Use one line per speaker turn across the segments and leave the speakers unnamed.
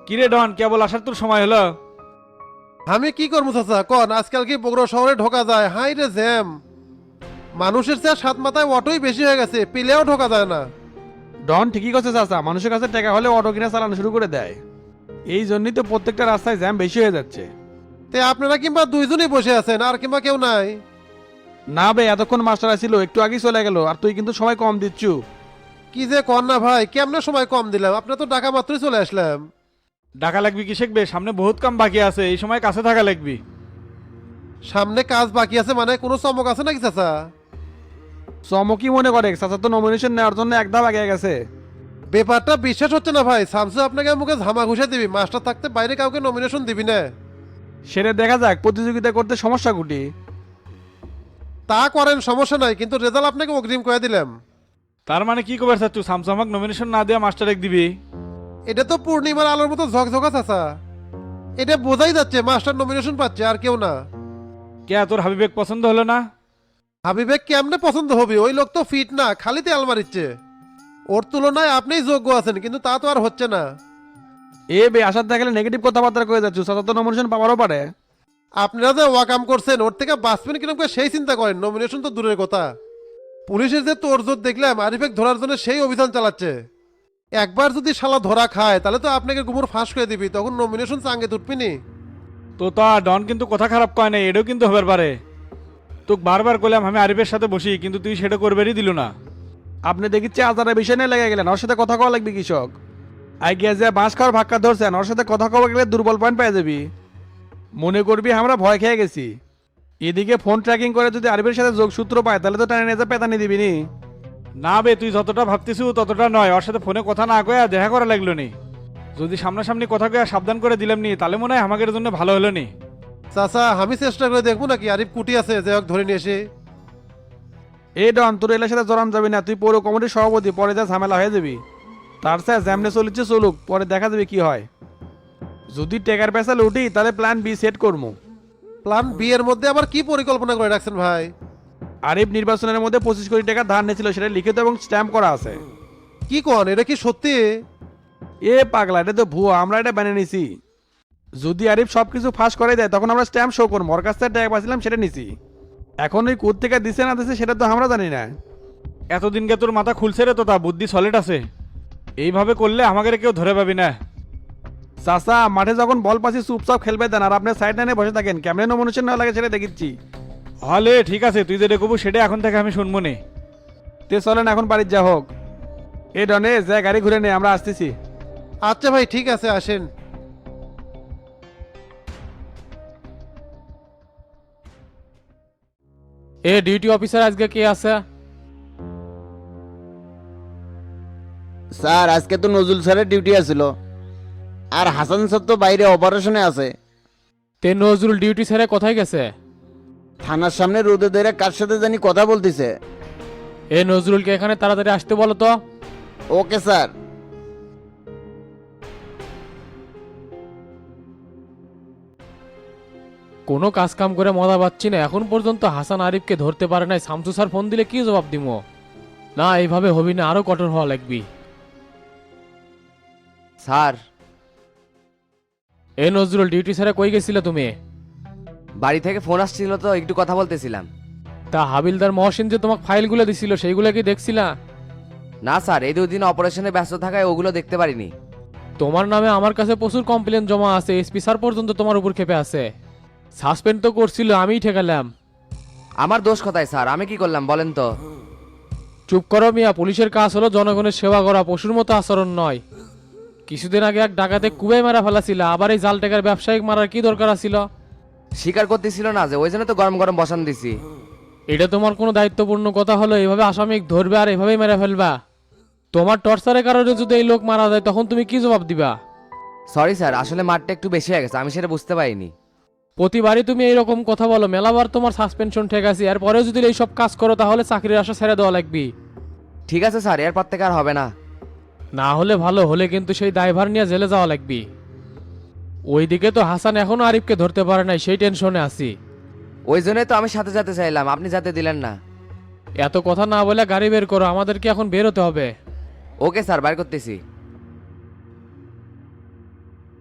কিরে ডন কেবল আসার তোর সময় হলো?
আমি কি করবো চাচা কন, আজকাল কি বগুড়া শহরে ঢোকা যায়? হাই রে জ্যাম, মানুষের চেয়ে সাত মাথায় অটোই বেশি হয়ে গেছে, পেলেও ঢোকা যায় না।
ডন ঠিকই করছে চাচা, মানুষের কাছে টাকা হলে অটো কিনে চালানো শুরু করে দেয়। এই জন্যই তো প্রত্যেকটা রাস্তায় জ্যাম বেশি হয়ে যাচ্ছে।
তে আপনারা কিংবা দুইজনই বসে আছেন আর কিংবা কেউ নাই?
না বে, এতক্ষণ মাস্টার আসিল, একটু আগেই চলে গেল, আর তুই কিন্তু সময় কম দিচ্ছু।
কি যে কন না ভাই, কেমনে সময় কম দিলাম? আপনার তো ঢাকা মাত্রই চলে আসলাম।
ডাকা লাগবি কি শিখবে? সামনে বহুত কাম বাকি আছে, এই সময় কাছে থাকা লাগবি।
সামনে কাজ বাকি আছে মানে কোনো চমক আছে নাকি চাচা?
চমকি মনে করে চাচা তো নমিনেশন নেওয়ার জন্য এক ধাপ আগে গেছে।
ব্যাপারটা বিশ্বাস হচ্ছে না ভাই, শামসু আপনাকে মুখে ঝামা ঘুষে দিবি, মাস্টার থাকতে বাইরে কাউকে নমিনেশন দিবি না?
সেটা দেখা যাক, প্রতিযোগিতা করতে সমস্যা কুটি।
তা করেন সমস্যা নাই, কিন্তু রেজাল্ট আপনাকে অগ্রিম করে দিলাম।
তার মানে কি কবার চাচ্ছু, সামসামাক নমিনেশন না দেওয়া মাস্টার এক দিবি?
এটা তো পূর্ণিমার আলোর মতো ঝকঝকা চাচা, এটা বোঝাই যাচ্ছে মাস্টার নমিনেশন পাচ্ছে আর কেউ না।
কে তোর হাবিবেক পছন্দ হলো না?
হাবিবেক কেমনে পছন্দ হবে? ওই লোক তো ফিট না, খালিতে আলমারিচ্ছে। ওর তুলনায় আপনিই যোগ্য আছেন, কিন্তু তা তো আর হচ্ছে না।
এ বে, আসার থাকলে নেগেটিভ কথাবার্তা করে যাচ্ছ, চাচা তো নমিনেশন পাওয়ারও পারে।
আপনারা যে ওয়াকাম করছেন ওর থেকে বাঁচবেন কিরকম করে সেই চিন্তা করেন, নমিনেশন তো দূরের কথা। পুলিশের যে তোড়জোড় দেখলাম আরিফেক ধরার জন্য সেই অভিযান চালাচ্ছে। একবার যদি শালা ধরা খায় তাহলে তো আপনাকে গুমর ফাঁস করে দিবি, তখন নমিনেশন চাঙ্গে তুটবিনি।
তো তা ডন কিন্তু কথা খারাপ কয় না, এটাও কিন্তু হবার পারে। তোকে বারবার করলাম আমি আরিফের সাথে বসি, কিন্তু তুই সেটা করবেরই দিল না।
আপনি দেখিচ্ছে আজারের বিষয় নিয়ে লেগে গেলেন, ওর সাথে কথা কওয়া লাগবে কৃষক। আই গিয়া যে বাঁশ খাওয়ার ভাক্কা ধরছেন, ওর সাথে কথা কওয়া গেলে দুর্বল পয়েন্ট পেয়ে যাবি। মনে করবি আমরা ভয় খেয়ে গেছি। এদিকে ফোন ট্র্যাকিং করে যদি আরবির সাথে যোগসূত্র পায় তাহলে তো টানে নিয়ে পেতানি দিবি নি।
না বে, তুই যতটা ভাবতেছিস ততটা নয়, ওর সাথে ফোনে কথা না কয়া দেখা করা লাগলো নি। যদি সামনাসামনি কথা কয়া সাবধান করে দিলাম নি তাহলে মনে হয় আমাদের জন্য ভালো হলো নি।
চাচা আমি চেষ্টা করে দেখবো নাকি আরিফ কুটি আছে যে হোক ধরে নিয়ে এসে।
এ ডন, তোর এলার সাথে জড়ান যাবি না, তুই পৌর কমিটির সভাপতি, পরে যা ঝামেলা হয়ে যাবি। তার সাথে জ্যামনে চলিচ্ছে চলুক, পরে দেখা যাবে কি হয়। যদি টেকার পেছাল উঠি তাহলে প্ল্যান বি সেট করবো।
প্ল্যান বি এর মধ্যে আবার কি পরিকল্পনা করে রাখছেন ভাই?
আরিফ নির্বাচনের মধ্যে 25 কোটি টাকা ধার নিয়েছিল, সেটা লিখিত এবং স্ট্যাম্প করা আছে।
কি কন, এটা কি সত্যি?
এ পাগলা, এটা তো ভুয়া, আমরা এটা বানিয়ে নিছি। যদি আরিফ সবকিছু ফাঁস করে দেয় তখন আমরা স্ট্যাম্প শো করবো, ওর কাছ থেকে টাকা পাচ্ছিলাম সেটা নিছি। এখন ওই কোথ থেকে দিছে না দিছে সেটা তো আমরা জানি না।
এতদিনকে তোর মাথা খুলছে রে, তো তা বুদ্ধি সলিড আছে। এইভাবে করলে আমাদের কেউ ধরে পাবি না।
চাচা, মাঠে যখন বল পাচ্ছি চুপচাপ খেলবে দেন, আর আপনার সাইড লাইনে বসে থাকেন, কেমনে নমিনেশন না লাগে সেটা দেখিচ্ছি।
হলে ঠিক আছে, তুই যেটা কবু সেটা এখন থেকে আমি শুনবো নে।
তে চলেন এখন বাড়ির যা হোক। এ ডনে যা, গাড়ি ঘুরে নে, আমরা আসতেছি।
আচ্ছা ভাই ঠিক আছে, আসেন।
এ ডিউটি অফিসার আজকে কে আছে?
স্যার আজকে তো নজরুল স্যারের ডিউটি আছিল, আর হাসান স্যার তো বাইরে অপারেশনে আছে।
তে নজরুল ডিউটি ছেড়ে কোথায় গেছে?
থানার সামনে রোদে ধরে কার সাথে জানি কথা বলতেছে।
এ নজরুলকে এখানে তাড়াতাড়ি আসতে বলো তো।
Okay sir.
কোনো কাজ কাম করে মজা পাচ্ছি না, এখন পর্যন্ত হাসান আরিফকে ধরতে পারে নাই। শামসু স্যার ফোন দিলে কি জবাব দিমো? না এইভাবে হবি না, আরো কঠোর হওয়া লাগবি।
স্যার,
এ নজরুল ডিউটি ছেড়ে কই গেছিলে তুমি?
বাড়ি থেকে ফোন আসছিল তো একটু কথা বলতেছিলাম।
তা হাবিলদার মহসিন যে তোমাকে ফাইলগুলো দিছিল সেইগুলো কি দেখছিলা?
না স্যার, এই 2 দিন অপারেশনে ব্যস্ত থাকায় ওগুলো দেখতে পারিনি।
তোমার নামে আমার কাছে প্রচুর কমপ্লেন জমা আছে, এসপি স্যার পর্যন্ত তোমার উপর ক্ষেপে আছে। সাসপেন্ড তো করছিল, আমিই ঠেকালাম।
আমার দোষ কোথায় স্যার? আমি কি করলাম বলেন তো?
চুপ করো মিয়া, পুলিশের কাজ হলো জনগণের সেবা করা, পশুর মতো আচরণ নয়। কিছুদিন আগে এক ডাকাতে কুবাই মারা ফেলাছিল, আবার এই জাল টাকার ব্যবসায়িক মারার কি দরকার আছিল?
স্বীকার করতেছিল না যে, ওই জন্য তো গরম গরম বসান দিছি।
এটা তোমার কোনো দায়িত্বপূর্ণ কথা হলো? এভাবে আসামিক ধরবে আর এভাবেই মেরে ফেলবা? তোমার টর্চারের কারণে যদি এই লোক মারা যায় তখন তুমি কি জবাব দিবা?
সরি স্যার, আসলে মারটা একটু বেশি হয়ে গেছে, আমি সেটা বুঝতে পারিনি।
প্রতিবারই তুমি এইরকম কথা বলো, মেলাবার তোমার সাসপেনশন ঠিক আছে, এরপরেও যদি এইসব কাজ করো তাহলে চাকরির আশা ছেড়ে দেওয়া লাগবে।
ঠিক আছে স্যার, এরপর থেকে আর হবে না।
না হলে ভালো, হলে কিন্তু সেই দায়ভার নিয়ে জেলে যাওয়া লাগবে। ওইদিকে তো হাসান এখনো আরিফকে ধরতে পারে নাই, সেই টেনশনে আছি।
ওই জন্যই তো আমি সাথে যেতে চাইলাম, আপনি যেতে দিলেন না।
এত কথা না বলে গাড়ি বের করো, আমাদেরকে এখন বের হতে হবে।
ওকে স্যার, বাইর করতেছি।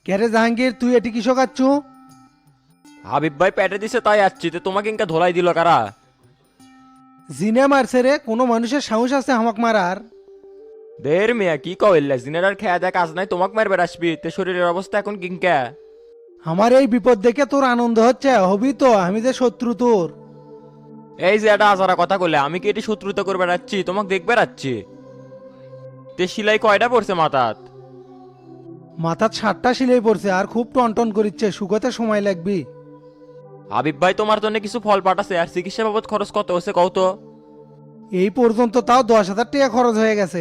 ক্যারে জাহাঙ্গীর তুই এটি কিসো কাচ্ছু?
হাবিব ভাই প্যাটে দিছে তাই আসছি, তো তোমাকে ইনকা ধোলাই দিল কারা?
জিনে মারছে রে, কোনো মানুষের সাহস আছে হামাক মারার?
দের মিয়া কি কইল্লা, জিনের আর খেয়া দেয় কাজ নাই, তোমাকে মারবে আসবি, তে শরীরের অবস্থা এখন কিংকা?
আমার এই বিপদ দেখে তোর আনন্দ হচ্ছে? হবি তো, আমি যে শত্রু তোর।
এই যে এটা আজারা কথা কইলে, আমি কি এটি শত্রুতা করবে যাচ্ছি? তোমাকে দেখবে যাচ্ছি। তে সিলাই কয়টা পড়ছে মাথাত?
মাথার 7টা সিলাই পড়ছে, আর খুব টনটন করিচ্ছে, শুকোতে সময় লাগবি।
হাবিব ভাই তোমার জন্য কিছু ফল পাঠাছে, আর চিকিৎসা বাবদ খরচ কত হচ্ছে কও তো?
এই পর্যন্ত তাও 10,000 টাকা খরচ হয়ে গেছে।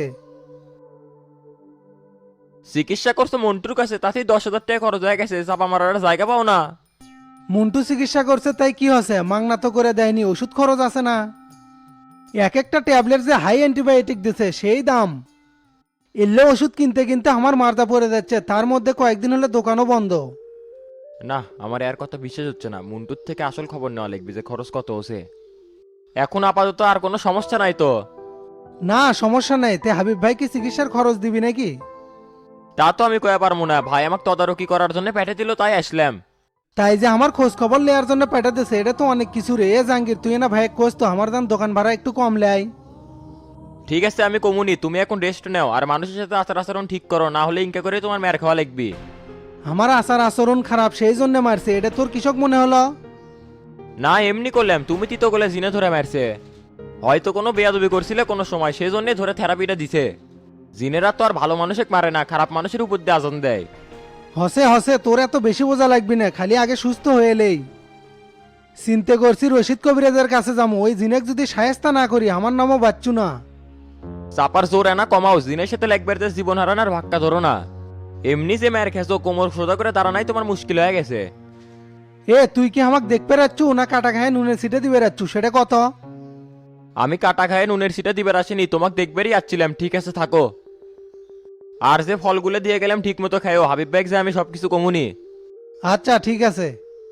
চিকিৎসা করছো মন্টুর কাছে, তাতেই 10,000 টাকা খরচ হয়ে গেছে, চাপা মারার জায়গা পাও না?
মন্টু চিকিৎসা করছে তাই কি হচ্ছে, মাংনা তো করে দেয়নি, ওষুধ খরচ আছে না? এক একটা ট্যাবলেট যে হাই অ্যান্টিবায়োটিক দিছে সেই দাম। এলে ওষুধ কিনতে কিনতে আমার মারদা পড়ে যাচ্ছে, তার মধ্যে কয়েকদিন হলে দোকানও বন্ধ।
না, আমার এর কথা বিশ্বাস হচ্ছে না। মন্টুর থেকে আসল খবর নেওয়া লিখবি যে খরচ কত হচ্ছে। এখন আপাতত আর কোনো সমস্যা নাই তো?
না সমস্যা নেই, তে হাবিব ভাই কি চিকিৎসার খরচ দিবি নাকি?
তা তো আমি কয়ে পারবো না, ভাই আমাকে তদারকি করার জন্য পেটে দিল তাই আসলাম।
তাই যে আমার খোঁজ খবর নেওয়ার জন্য পাঠাতেছে, এটা তো অনেক কিছু রে। এ জাহাঙ্গীর তুই না ভাই খোঁজ তো আমার দাম, দোকান ভাড়া একটু কম লেয়।
ঠিক আছে আমি কমুনি, তুমি এখন রেস্ট নাও আর মানুষের সাথে আচার আচরণ ঠিক করো, না হলে ইনকা করে তোমার মেয়ের খাওয়া লাগবি।
আমার আচার আচরণ খারাপ সেই জন্য মারছে, এটা তোর কৃষক মনে হলো?
না এমনি করলাম, তুমি তিতো গলে জিনে ধরে মারছে। হয়তো কোনো বেয়াদবি করছিলে কোনো সময়, সেই জন্যে ধরে থেরাপিটা দিছে। জিনেরা তো আর ভালো মানুষকে মারে না, খারাপ মানুষের উপর দিয়ে আজান দেয়।
হসে হসে, তোর এত বেশি বোঝা লাগবি না, খালি আগে সুস্থ হয়ে এলেই। চিন্তে করছি রশিদ কবিরাজের কাছে যাবো, ওই জিনেক যদি সায়স্তা না করি আমার নামও বাচ্চু না।
চাপার জোর এনা কমাও, জিনের সাথে লাগবে যে জীবন হারানোর ভাক্কা ধরো না। এমনি যে মায়ের খেছো, কোমর সোজা করে দাঁড়ানাই তোমার মুশকিল হয়ে গেছে।
এ তুই কি আমাকে দেখতে রাচ্ছু না কাটা খায় নুনের সিটে দিবে রাচ্ছু, সেটা কত?
আমি কাটা খায় নুনের সিটা দিবার আসিনি, তোমাকে দেখবেরই আসছিলাম। ঠিক আছে থাকো, আর যে ফলগুলো দিয়ে গেলাম ঠিক মতো খাইও। হাবিব ভাই যে আমি সবকিছু কমুনি।
আচ্ছা ঠিক আছে।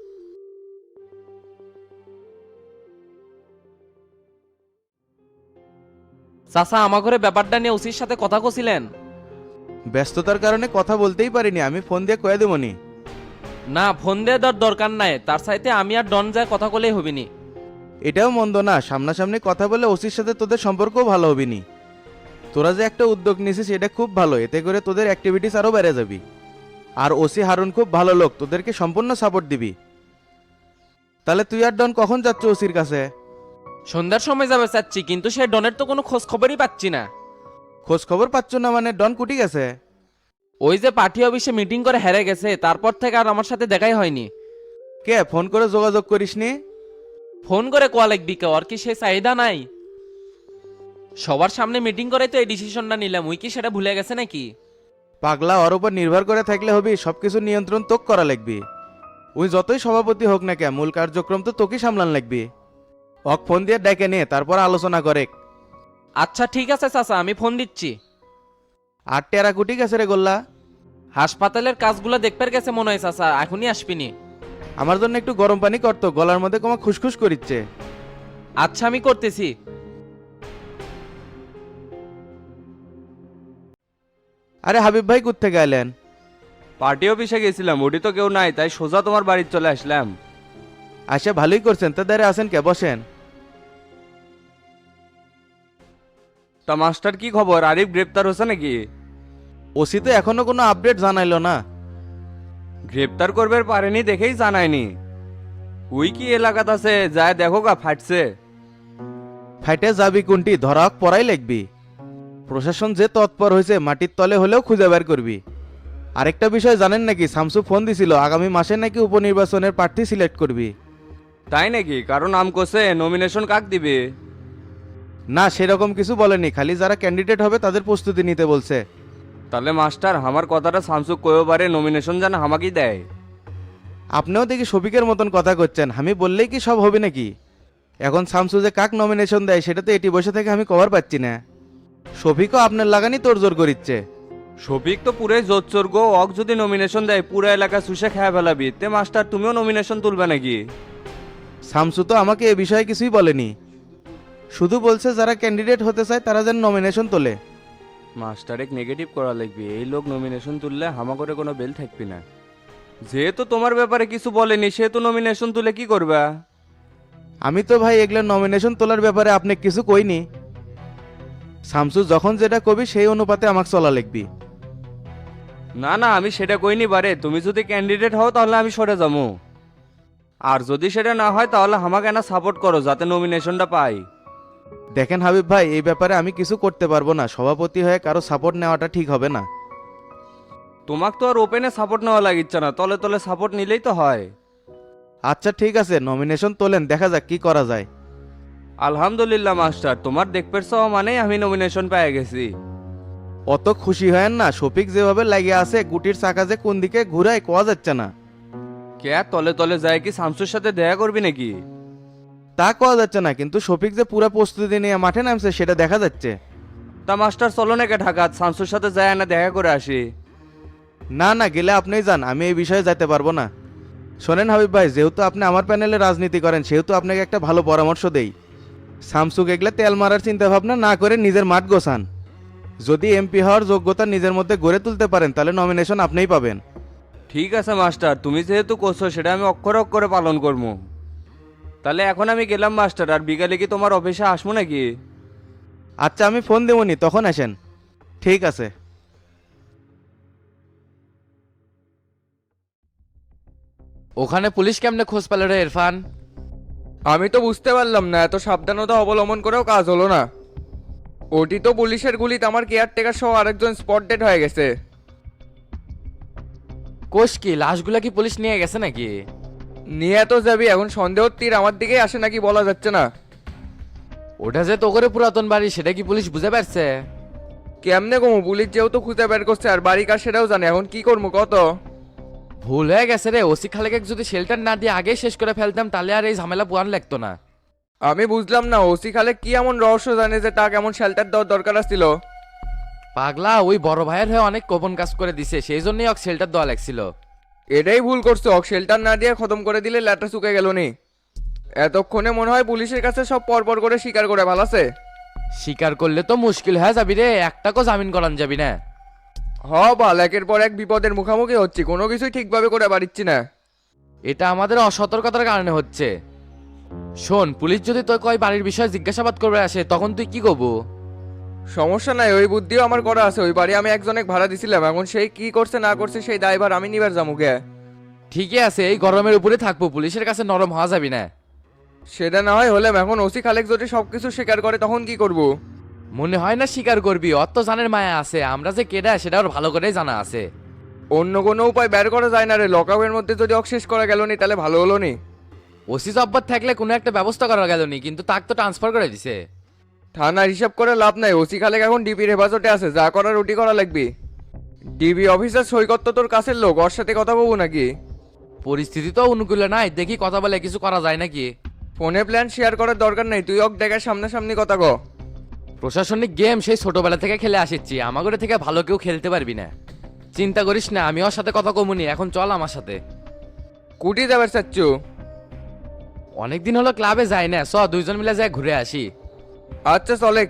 চাচা আমার ঘরে ব্যাপারটা নিয়ে ওসির সাথে কথা কছিলেন?
ব্যস্ততার কারণে কথা বলতেই পারিনি, আমি ফোন দিয়ে কয়ে দেবনি।
না ফোন দিয়ে দেওয়ার দরকার নাই, তার সাথে আমি আর ডন যায় কথা বলেই হবিনি।
এটাও মন্দ না, সামনাসামনি কথা বলে ওসির সাথে তোদের সম্পর্কও ভালো হবিনি। তোরা যে একটা উদ্যোগ নিছিস এটা খুব ভালো, এতে করে তোদের অ্যাক্টিভিটিস আরও বেড়ে যাবি। আর ওসি হারুন খুব ভালো লোক, তোদেরকে সম্পূর্ণ সাপোর্ট দিবি। তাহলে তুই আর ডন কখন যাচ্ছ ওসির কাছে?
সন্ধ্যার সময় যাবে চাচ্ছি, কিন্তু সে ডনের তো কোনো খোঁজ খবরই পাচ্ছি না।
খোঁজ খবর পাচ্ছ না মানে? ডন কুটি গেছে?
ওই যে পার্টি অফিসে মিটিং করে হেরে গেছে, তারপর থেকে আর আমার সাথে দেখাই হয়নি।
কে ফোন করে যোগাযোগ করিসনি?
ফোন করে কোয়া লাগবি কে, ওর কি সে চাহিদা নাই? সবার সামনে মিটিং করে তো এই ডিসিশনটা নিলাম, উই কি সেটা ভুলে গেছে নাকি?
পাগলা, ওর উপর নির্ভর করে থাকলে হবি? সবকিছু নিয়ন্ত্রণ তোক করা লাগবি। ওই যতই সভাপতি হোক না কে, মূল কার্যক্রম তো তোকেই সামলান লাগবি। অক ফোন দিয়ে ডেকে নে, তারপর আলোচনা করে।
আচ্ছা ঠিক আছে চাচা, আমি ফোন দিচ্ছি।
আর টেরা কুটি গেছে রে গোল্লা?
হাসপাতালের কাজগুলো দেখতে গেছে মনে হয় চাচা, এখনই আসবিনি।
আমার জন্য একটু গরম পানি করতো, গলার মধ্যে কমা খুসখুস করিচ্ছে।
আচ্ছা আমি করতেছি।
আরে হাবিব ভাই কোত্থেকে এলেন?
পার্টি অফিসে গেছিলাম, ওটি তো কেউ নাই, তাই সোজা তোমার বাড়িতে চলে আসলাম।
আচ্ছা ভালোই করছেন, তা দাঁড়িয়ে আছেন কে, বসেন।
তা মাস্টার কি খবর, আরিফ গ্রেপ্তার হচ্ছে নাকি?
ওসি তো এখনো কোনো আপডেট জানাইলো না।
গ্রেপ্তার করবে পারেনি দেখেই জানায়নি। ওই কি এলাকাত আছে, যায় দেখো গা ফাটছে।
ফাইটে যাবি কোনটি, ধরা পড়াই লাগবি। প্রশাসন যে তৎপর হয়েছে, মাটির তলে হলেও খুঁজে বের করবি। আরেকটা বিষয় জানেন নাকি, শামসু ফোন দিছিল আগামী মাসে নাকি উপনির্বাচনের প্রার্থী সিলেক্ট করবি।
তাই নাকি? কারণ নাম কোসে নমিনেশন কাক দিবে?
না সেরকম কিছু বলেনি, খালি যারা ক্যান্ডিডেট হবে তাদের প্রস্তুতি নিতে বলছে।
তাহলে মাস্টার আমার কথাটা শামসুক কয়েও পারে, নমিনেশন যেন আমাকেই দেয়।
আপনিও দেখি শফিকের মতন কথা করছেন, আমি বললেই কি সব হবে নাকি? এখন শামসু যে কাক নমিনেশন দেয় সেটা তো এটি বসে থেকে আমি কভার পাচ্ছি না। শফিকও আপনার লাগানি তোড়জোড় করিচ্ছে।
শফিক তো পুরাই জোর চোর গো, অক যদি নমিনেশন দেয় পুরো এলাকা শুষে খেয়ে ফেলাবি। তে মাস্টার তুমিও নমিনেশন তুলবে নাকি?
শামসু তো আমাকে এ বিষয়ে কিছুই বলেনি, শুধু বলছে যারা ক্যান্ডিডেট হতে চায় তারা যেন নমিনেশন তোলে।
মাস্টার এক নেগেটিভ করা লাগবে, এই লোক নমিনেশন তুললে হামা করে কোনো বেল থাকবি না। যেহেতু তোমার ব্যাপারে কিছু বলেনি সেহেতু নমিনেশন তুলে কি করবা?
আমি তো ভাই এগুলো নমিনেশন তোলার ব্যাপারে আপনি কিছু কইনি। শামসু যখন যেটা কবি সেই অনুপাতে আমাকে চলা লিখবি।
না না, আমি সেটা কইনি বারে। তুমি যদি ক্যান্ডিডেট হও তাহলে আমি সরে যাবো, আর যদি সেটা না হয় তাহলে আমাকে না সাপোর্ট করো যাতে নমিনেশনটা পাই।
দেখেন হাবিব ভাই, এই ব্যাপারে আমি কিছু করতে পারবো না। সভাপতি হয়ে কারো সাপোর্ট নেওয়াটা ঠিক হবে না।
তোমাকে তো আর ওপেনে সাপোর্ট নেওয়া লাগিচ্ছে না, তলে তলে সাপোর্ট নিলেই তো হয়।
আচ্ছা ঠিক আছে, নমিনেশন তোলেন, দেখা যাক কি করা যায়।
আলহামদুলিল্লাহ মাস্টার, তোমার দেখপের সহ মানেই আমি নমিনেশন পেয়ে গেছি।
অত খুশি হয়েন না, শফিক যেভাবে লাগিয়ে আছে গুটির চাকা যে কোন দিকে ঘুরায় কোয়া যাচ্ছে না।
কে তলে তলে যায় কি শামসুর সাথে দেখা করবি নাকি?
তা কোয়া যাচ্ছে না, কিন্তু শফিক যে পুরো প্রস্তুতি নিয়ে মাঠে নামছে সেটা দেখা যাচ্ছে।
তা মাস্টার চলো নাকি ঢাকা, শামসুর সাথে যায় না দেখা করে আসি।
না না, গেলে আপনিই যান, আমি এই বিষয়ে যেতে পারবো না। শোনেন হাবিব ভাই, যেহেতু আপনি আমার প্যানেলে রাজনীতি করেন সেহেতু আপনাকে একটা ভালো পরামর্শ দেই। শামসুক এগুলা তেল মারার চিন্তা ভাবনা না করে নিজের মাঠ গোছান। যদি এমপি হওয়ার যোগ্যতা নিজের মধ্যে গড়ে তুলতে পারেন তাহলে নমিনেশন আপনিই পাবেন।
ঠিক আছে মাস্টার, তুমি যেহেতু করছো সেটা আমি অক্ষরে অক্ষরে পালন করবো। তাহলে এখন আমি গেলাম মাস্টার, আর বিকালে কি তোমার অফিসে আসবো নাকি?
আচ্ছা আমি ফোন দেবনি, তখন আসেন। ঠিক আছে।
ওখানে পুলিশ কেমনে খোঁজ পেল রে ইরফান?
আমি তো বুঝতে পারলাম না, এত সাবধানতা অবলম্বন করেও কাজ হলো না। ওটি তো পুলিশের গুলিতে আমার কেয়ারটেকার সহ আরেকজন স্পট ডেড হয়ে গেছে।
কোষ কি লাশগুলা কি পুলিশ নিয়ে গেছে নাকি?
নিয়ে তো যাবি, এখন সন্দেহ তীর আমার দিকেই আসে নাকি বলা যাচ্ছে না।
ওটা যে তো করে পুরাতন বাড়ি সেটা কি পুলিশ বুঝে পারছে?
কেমনে কমু, পুলিশ যেহেতু খুঁজে বের করছে আর বাড়ি কার সেটাও জানে, এখন কি করবো কত?
ভুল হয়ে গেছে রে, ওসি খালেকে যদি শেল্টার না দিয়ে আগেই শেষ করে ফেলতাম তাহলে আর এই ঝামেলা পোয়ান লাগতো না।
আমি বুঝলাম না, ওসি খালে কি এমন রহস্য জানে যে তাকে এমন শেল্টার দেওয়ার দরকার ছিল?
পাগলা ওই বড় ভাইয়ের হয়ে অনেক গোপন কাজ করে দিছে, সেই জন্যই ওকে শেল্টার দেওয়া লাগছিল।
এটাই ভুল করছো, শেল্টার না দিয়ে খতম করে দিলে ল্যাটা শুকে গেল নি। এতক্ষণে মনে হয় পুলিশের কাছে সব পরপর করে স্বীকার করে ভালাছে।
স্বীকার করলে তো মুশকিল হয়ে যাবি রে, একটাকেও জামিন করান যাবি না।
বাল, একের পর এক বিপদের মুখোমুখি হচ্ছি, কোনো কিছুই ঠিকভাবে করে পারিচ্ছি না।
এটা আমাদের অসতর্কতার কারণে হচ্ছে। শোন, পুলিশ যদি তোর কয় বাড়ির বিষয়ে জিজ্ঞাসাবাদ করবে আসে তখন তুই কি করবো?
সমস্যা নাই, ওই বুদ্ধিও আমার করা আছে। ওই বাড়ি আমি একজনের ভাড়া দিছিলাম, এখন সেই কি করছে না করছে সেই দায়ভার আমি নিবার যামুকে।
ঠিকই আছে, এই গরমের উপরে থাকবো, পুলিশের কাছে নরম হওয়া যাবি না।
সেটা না হয় হলাম, এখন ওসি খালেক যদি সবকিছু স্বীকার করে তখন কি করব?
মনে হয় না স্বীকার করবি, অত জানের মায়া আছে, আমরা যে কেডা সেটা ওর ভালো করেই জানা আছে।
অন্য কোনো উপায় বের করা যায় না রে, লকআপের মধ্যে যদি অক্সেস করা গেল নি তাহলে ভালো হলো নি।
ওসি জব্বর থাকলে কোনো একটা ব্যবস্থা করা গেল নি, কিন্তু তাকে তো ট্রান্সফার করে দিছে।
থানার হিসাব করে লাভ নাই, ওসি খালেক এখন ডিবির হেফাজতে আছে, যা করার রুটি করা লাগবে। ডিবি অফিসার সৈকত তো তোর কাছের লোক, ওর সাথে কথা বলবো নাকি?
পরিস্থিতি তো অনুকূলে নাই, দেখি কথা বলে কিছু করা যায় নাকি।
ফোনে প্ল্যান শেয়ার করার দরকার নেই, তুই অক দেখার সামনাসামনি কথা ক।
প্রশাসনিক গেম সেই ছোটবেলা থেকে খেলে আসিচ্ছি, আমাদের থেকে ভালো কেউ খেলতে পারবি না। চিন্তা করিস না, আমি ওর সাথে কথা কমুনি, এখন চল আমার সাথে।
কুটি যাবার চাচ্ছু?
অনেকদিন হলো ক্লাবে যাই না, চ দুইজন মিলে যাই ঘুরে আসি।
আচ্ছা চলে।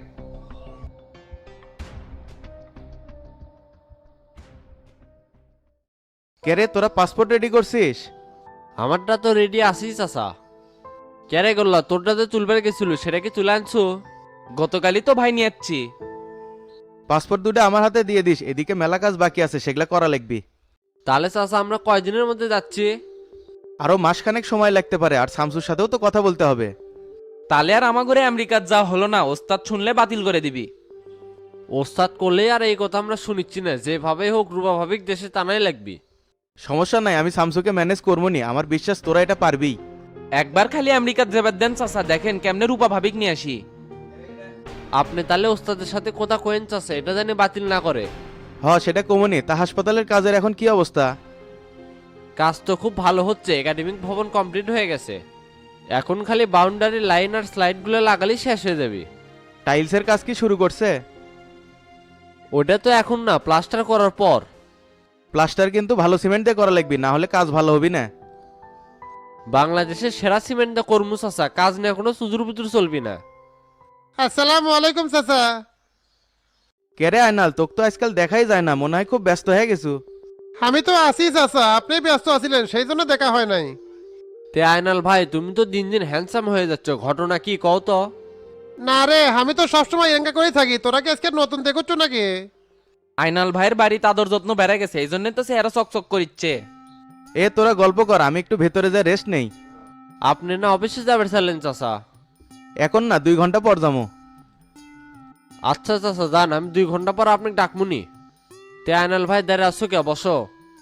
কে রে, তোরা পাসপোর্ট রেডি করছিস?
আমারটা তো রেডি আসিস চাচা।
ক্যারে করলা, তোরটা তো তুলবার গেছিল সেটা কি তুলে আনছো?
গতকালই তো ভাই নিয়ে যাচ্ছি।
পাসপোর্ট দুটো আমার হাতে দিয়ে দিস, এদিকে মেলা কাজ বাকি আছে, সেগুলা করা লাগবি।
তাহলে চাচা আমরা কয়দিনের মধ্যে যাচ্ছি?
আরো মাসখানেক সময় লাগতে পারে, আর শামসুর সাথেও তো কথা বলতে হবে।
তাহলে আর আমার ঘরে আমেরিকার যা হলো না, ওস্তাদ শুনলে বাতিল করে দিবি।
ওস্তাদ করলেই আর এই কথা আমরা শুনিচ্ছি না, যেভাবে হোক রূপা ভাবিক দেশে টানাই লাগবি।
সমস্যা নাই, আমি শামসুকে ম্যানেজ করবো নি, আমার বিশ্বাস তোরা এটা পারবি।
একবার খালি আমেরিকার যাবার দেন চাচা, দেখেন কেমনে রূপা ভাবিক নিয়ে আসি।
আপনি তাহলে ওস্তাদের সাথে কথা কয়েন চাচা, এটা জানি বাতিল না করে।
সেটা কমনি। তা হাসপাতালের কাজের এখন কি অবস্থা?
কাজ তো খুব ভালো হচ্ছে, একাডেমিক ভবন কমপ্লিট হয়ে গেছে, এখন খালি বাউন্ডারি লাইন আর স্লাইডগুলো লাগালেই শেষ হয়ে যাবে।
টাইলসের কাজ কি শুরু করছে?
ওটা তো এখন না, প্লাস্টার করার পর।
প্লাস্টার কিন্তু ভালো সিমেন্ট দিয়ে করা লাগবে, না হলে কাজ ভালো হবে না।
বাংলাদেশের সেরা সিমেন্ট দা কর্মু চাচা, কাজ নিয়ে কোনো সুজুর বুজুর চলবি না।
আসসালামু আলাইকুম চাচা।
কে রে আয়নাল, তোকে তো আজকাল দেখাই যায় না, মনে হয় খুব ব্যস্ত হয়ে গেছু।
আমি তো আছি চাচা, আপনি ব্যস্ত আছিলেন সেই জন্য দেখা হয় নাই।
তে আয়নাল ভাই তুমি তো দিন দিন হ্যান্ডসাম হয়ে যাচ্ছ, ঘটনা কি কও তো?
না রে, আমি তো সবসময় এঙ্গা করেই থাকি, তোরা কি আজকে নতুন দেখছ নাকি?
আয়নাল ভাইয়ের বাড়ি তাদের যত্ন বেড়ে গেছে, এই জন্য তো চেহারা চকচক করিচ্ছে।
এ তোরা গল্প কর, আমি একটু ভেতরে যা রেস্ট নেই।
আপনি না অফিসে যাবেন চাইলেন চাচা?
এখন না, 2 ঘন্টা পর যাবো।
আচ্ছা চাচা যান, আমি 2 ঘন্টা পর আপনাকে ডাকমুনি। তে আয়নাল ভাই দাঁড়িয়ে আসছো কে, বসো।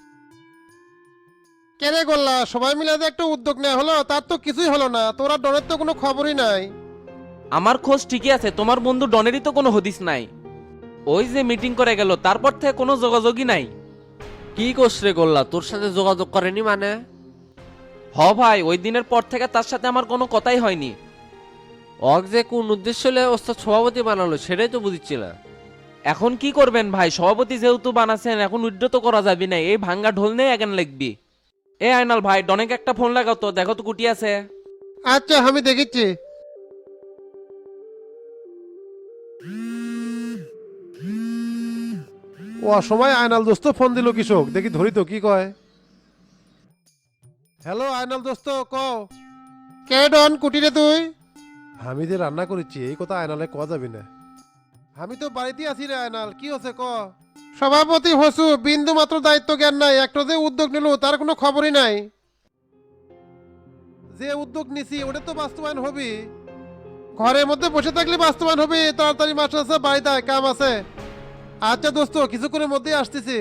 কেনে করলা সবাই মিলে যে একটা উদ্যোগ নেওয়া হলো, তার তো কিছুই হলো না। তোরা ডনের তো কোনো খবরই নাই।
আমার খোঁজ ঠিকই আছে, তোমার বন্ধু ডনেরই তো কোনো হদিস নাই। ওই যে মিটিং করে গেল তারপর থেকে কোনো যোগাযোগই নাই।
কি কোশ্রে করলা, তোর সাথে যোগাযোগ করেনি মানে?
হ ভাই, ওই দিনের পর থেকে তার সাথে আমার কোনো কথাই হয়নি।
অক যে কোন উদ্দেশ্য হলে ওস্তাদ সভাপতি বানালো সেটাই তো বুঝছি না।
এখন কি করবেন ভাই, সভাপতি যেহেতু বানাচ্ছেন এখন উইথড্র তো করা যাবে না, এই ভাঙ্গা ঢোল নেই এখন লিখবি। এ আয়নাল ভাই, ডনেকে একটা ফোন লাগাও তো, দেখো তো কুটি আছে।
আচ্ছা আমি দেখিচ্ছি। ও সময় আয়নাল দোস্ত ফোন দিল কৃষক, দেখি ধরি তো কি কয়। হ্যালো আয়নাল দোস্ত, কও। কে ডন, কুটিরে তুই? আমি যে রান্না করেছি এই কথা আয়নালে কওয়া যাবে না। আমি তো বাড়িতে আছি রে আয়নাল, কি হচ্ছে ক। সভাপতি হসু, বিন্দু মাত্র দায়িত্ব জ্ঞান নাই, একটা যে উদ্যোগ নিল তার কোনো খবরই নাই। যে উদ্যোগ নিছি ওটা তো বাস্তবায়ন হবে। ঘরের মধ্যে বসে থাকলে বাস্তবায়ন হবে, তাড়াতাড়ি মাস্টার আছে, বাড়িতে আয়, কাম আছে। আচ্ছা দোস্ত, কিছুক্ষণের মধ্যেই আসতেছি।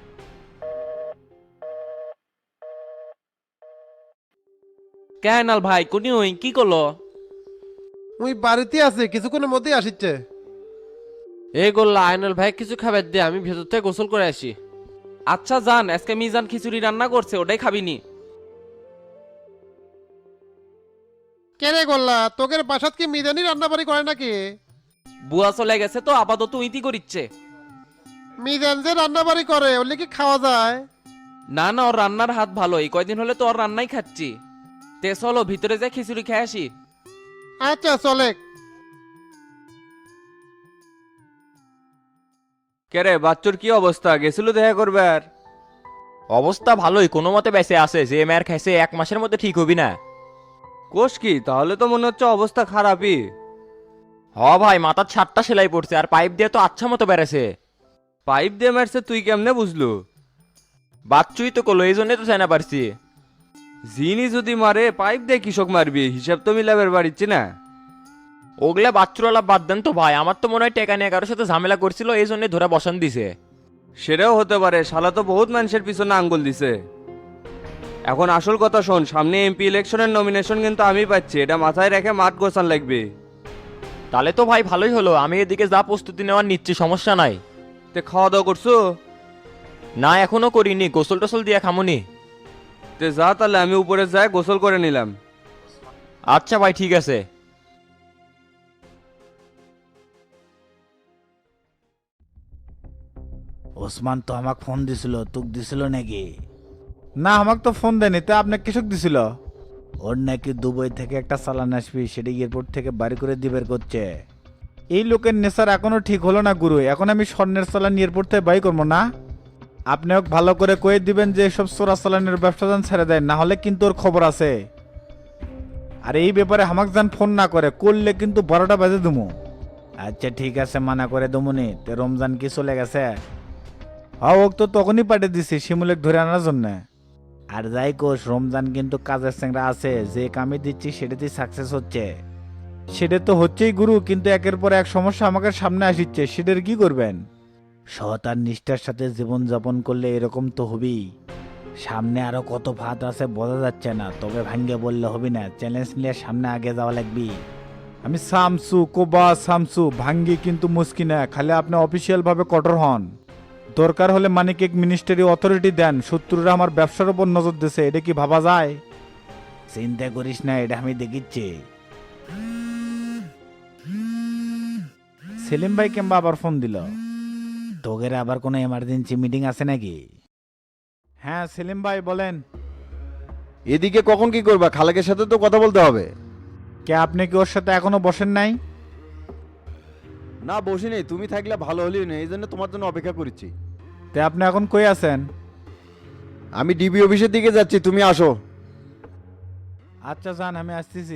কে আয়নাল ভাই, কোনি ওই কি করলো?
মুই বাড়িতে আছি, কিছুক্ষণের মধ্যেই আসিচ্ছে।
এই করলা আয়নাল ভাই কিছু খাবার দে, আমি ভেতর থেকে গোসল করে আসি।
আচ্ছা যান, আজকে মিজান খিচুড়ি রান্না করছে, ওটাই খাবিনি।
কেনে করলা, তোকের বাসাত কি মিজানি রান্না বাড়ি করে নাকি?
বুয়া চলে গেছে তো আপাতত উইতি করিচ্ছে।
মিজান যে রান্না বাড়ি করে ওলে কি খাওয়া যায়?
না না, ওর রান্নার হাত ভালো, এই কয়দিন হলে তো ওর রান্নাই খাচ্ছি। তে চলো ভিতরে যা খিচুড়ি খেয়ে আসি।
আচ্ছা চলে।
কেরে বাচ্চুর কি অবস্থা, গেছিল দেখা করবে? আর
অবস্থা ভালোই, কোনো মতে বেঁচে আছে। যে ম্যার খাইছে 1 মাসের মধ্যে ঠিক হবি না।
কোষ কি, তাহলে তো মনে হচ্ছে অবস্থা খারাপই।
হ ভাই, মাথার 7টা সেলাই পড়ছে, আর পাইপ দিয়ে তো আচ্ছা মতো বেড়েছে।
পাইপ দিয়ে মারছে, তুই কেমনে বুঝলু?
বাচ্চুই তো করলো, এই জন্যই তো চাই না পারছি।
জিনি যদি মারে পাইপ দিয়ে কৃষক মারবি, হিসাব তো মিলাবের বাড়িচ্ছি না।
ওগুলা বাচ্চুরালা বাদ দেন তো ভাই, আমার তো মনে হয় টেকা নিয়ে কারোর সাথে ঝামেলা করছিল, এই জন্য ধরে বসান দিছে।
সেটাও হতে পারে, শালা তো বহুত মানুষের পিছনে আঙ্গুল দিছে। এখন আসল কথা শোন, সামনে এমপি ইলেকশনের নমিনেশন কিন্তু আমি পাচ্ছি, এটা মাথায় রেখে মাঠ গোছান লাগবে।
তাহলে তো ভাই ভালোই হলো, আমি এদিকে যা প্রস্তুতি নেওয়ার নিচ্ছি, সমস্যা নাই।
তে খাওয়া দাওয়া করছো?
না এখনো করিনি, গোসল টোসল দিয়ে খামুনি।
তে যা, তাহলে আমি উপরে যাই গোসল করে নিলাম।
আচ্ছা ভাই ঠিক আছে।
ওসমান তো আমাকে ফোন দিছিল, তোক দিছিল নাকি?
না, আমাকে তো ফোন দেয়নি, তা আপনাকে কৃষক দিছিল।
ওর নাকি দুবাই থেকে একটা চালান আসবি, সেটা এয়ারপোর্ট থেকে বাড়ি করে দিবের করছে।
এই লোকের নেশার এখনো ঠিক হলো না গুরু, এখন আমি স্বর্ণের চালান এয়ারপোর্ট থেকে বাই করবো না। আপনি ওকে ভালো করে কয়ে দিবেন যে এসব চোরা চালানের ব্যবসা যান ছেড়ে দেয়, না হলে কিন্তু ওর খবর আছে। আর এই ব্যাপারে আমাকে যান ফোন না করে, করলে কিন্তু 12টা বাজে দুমু।
আচ্ছা ঠিক আছে, মানা করে দমুনি। তে রমজান কি চলে গেছে?
হ্যাঁ, ওক তো তখনই পাঠিয়ে দিছি শিমুলেক ধরে আনার জন্য।
আর যাই কোষ, রমজান কিন্তু কাজের চেংরা আছে, যে কামে দিচ্ছি সেটাতেই সাকসেস হচ্ছে।
সেটা তো হচ্ছেই গুরু, কিন্তু একের পর এক সমস্যা আমাকে সামনে আসিচ্ছে, সেটার কি করবেন?
সৎ আর নিষ্ঠার সাথে জীবন যাপন করলে এরকম তো হবেই। সামনে আরো কত ভাত আছে বোঝা যাচ্ছে না, তবে ভাঙ্গে বললে হবে না, চ্যালেঞ্জ নিয়ে সামনে আগে যাওয়া লাগবে।
আমি সামসু কোবা সামসু ভাঙ্গি কিন্তু মুশকিল না, খালি আপনি অফিসিয়াল ভাবে কঠোর হন। দরকার হলে মানিক এক মিনিস্টারি অথরিটি দেন, শত্রুরা আমার ব্যবসার উপর নজর দিছে, এটা কি ভাবা যায়?
চিন্তা করিস না, এটা আমি দেখিচ্ছি।
সেলিম ভাই কিংবা আবার ফোন দিল।
তোগের আবার কোনো এমার্জেন্সি মিটিং আছে নাকি?
হ্যাঁ সেলিম ভাই বলেন।
এদিকে কখন কি করবা? খালেকের সাথে তো কথা বলতে হবে।
কে আপনি কি ওর সাথে এখনো বসেন নাই?
না বসি নেই, তুমি থাকলে ভালো হলেই না, এই জন্য তোমার জন্য অপেক্ষা করছি।
তে আপনি এখন কই আছেন?
আমি ডিবি অফিসের দিকে যাচ্ছি, তুমি আসো।
আচ্ছা যান, আমি আসতেছি।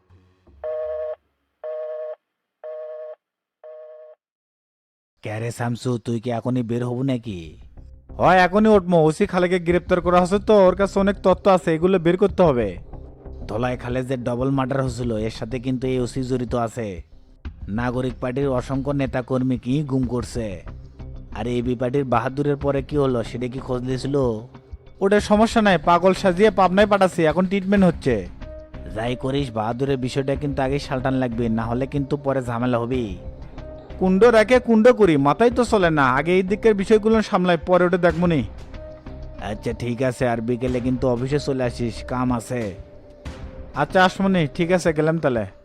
ক্যারে শামসু, তুই কি এখনই বের হবো নাকি?
হয় এখনই উঠবো, ওসি খালেকে গ্রেপ্তার করা হচ্ছে তো, ওর কাছে অনেক তথ্য আছে, এগুলো বের করতে হবে।
ধলাই খালে যে ডবল মার্ডার হয়েছিল এর সাথে কিন্তু এই ওসি জড়িত আছে। নাগরিক পার্টির অসংখ্য নেতা কর্মীকেই গুম করছে। আর এবি পার্টির বাহাদুরের পরে কি হলো সেটা কি খোঁজ দিয়েছিল?
ওটা সমস্যা নাই, পাগল সাজিয়ে পাবনায় পাঠাচ্ছি, এখন ট্রিটমেন্ট হচ্ছে।
যাই করিস বাহাদুরের বিষয়টা কিন্তু আগে সালটান লাগবে, না হলে কিন্তু পরে ঝামেলা হবে।
কুণ্ড রেখে কুণ্ড করি, মাথায় তো চলে না, আগে এই দিকের বিষয়গুলো সামলাই, পরে ওটা দেখবো নি।
আচ্ছা ঠিক আছে, আর বিকেলে কিন্তু অফিসে চলে আসিস, কাম আছে।
আচ্ছা আসমনি, ঠিক আছে, গেলাম তাহলে।